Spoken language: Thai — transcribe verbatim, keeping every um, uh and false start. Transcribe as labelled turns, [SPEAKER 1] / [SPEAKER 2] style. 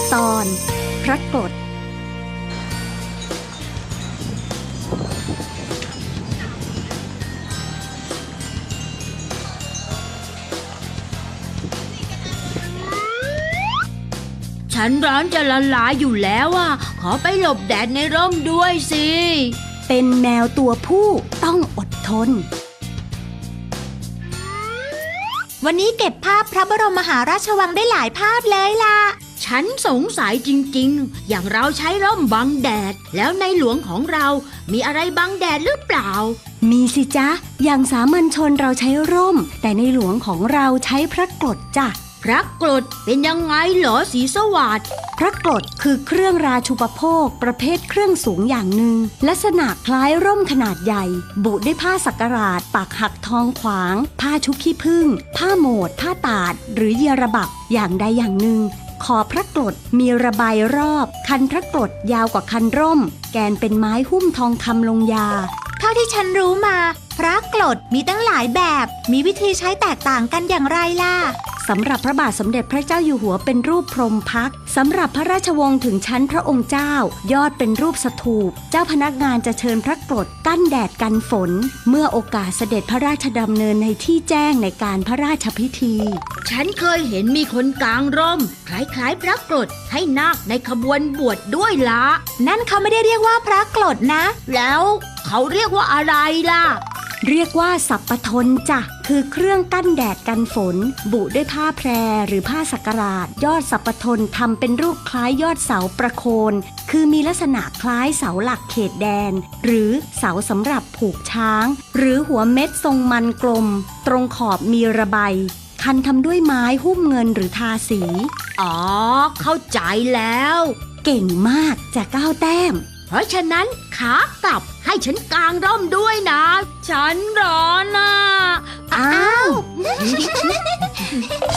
[SPEAKER 1] ตอนพระกรด
[SPEAKER 2] ฉันร้อนจะละลายอยู่แล้วอ่ะขอไปหลบแดดในร่มด้วยสิ
[SPEAKER 1] เป็นแมวตัวผู้ต้องอดทน
[SPEAKER 3] วันนี้เก็บภาพพระบรมมหาราชวังได้หลายภาพเลยล่ะ
[SPEAKER 2] ฉันสงสัยจริงๆอย่างเราใช้ร่มบังแดดแล้วในหลวงของเรามีอะไรบังแดดหรือเปล่า
[SPEAKER 1] มีสิจ๊ะอย่างสามัญชนเราใช้ร่มแต่ในหลวงของเราใช้พระกรดจ้ะ
[SPEAKER 2] พระกรดเป็นยังไงเหรอศรีสวัสดิ์
[SPEAKER 1] พระกรดคือเครื่องราชูปโภคประเภทเครื่องสูงอย่างหนึ่งลักษณะคล้ายร่มขนาดใหญ่บุด้วยผ้าสักหลาดปากหักทองขวางผ้าชุบขี้ผึ้งผ้าโหมดผ้าตาดหรือเยระบักอย่างใดอย่างหนึ่งขอบพระกรดมีระบายรอบคันพระกรดยาวกว่าคันร่มแกนเป็นไม้หุ้มทองคำลงยา
[SPEAKER 3] เท่าที่ฉันรู้มาพระกรดมีตั้งหลายแบบมีวิธีใช้แตกต่างกันอย่างไรล่ะ
[SPEAKER 1] สำหรับพระบาทสมเด็จพระเจ้าอยู่หัวเป็นรูปพรหมพักตร์สำหรับพระราชวงศ์ถึงชั้นพระองค์เจ้ายอดเป็นรูปสถูปเจ้าพนักงานจะเชิญพระกรดกั้นแดดกันฝนเมื่อโอกาสเสด็จพระราชดำเนินในที่แจ้งในการพระราชพิธี
[SPEAKER 2] ฉันเคยเห็นมีคนกางร่มคล้ายๆพระกรดให้นาคในขบวนบวชด้วยละ
[SPEAKER 3] นั่นเขาไม่ได้เรียกว่าพระกรดนะ
[SPEAKER 2] แล้วเขาเรียกว่าอะไรล่ะ
[SPEAKER 1] เรียกว่าสัปปทนจ้ะคือเครื่องกั้นแดดกันฝนบุด้วยผ้าแพรหรือผ้าสักหลาดยอดสัปปทนทำเป็นรูปคล้ายยอดเสาประโคนคือมีลักษณะคล้ายเสาหลักเขตแดนหรือเสาสำหรับผูกช้างหรือหัวเม็ดทรงมันกลมตรงขอบมีระบายคันทำด้วยไม้หุ้มเงินหรือทาสี
[SPEAKER 2] อ๋อเข้าใจแล้ว
[SPEAKER 1] เก่งมากจะก้าวแต้ม
[SPEAKER 2] เพราะฉะนั้นขากลับให้ฉันกางร่มด้วยนะฉันร้อนน่ะ
[SPEAKER 1] อ้าว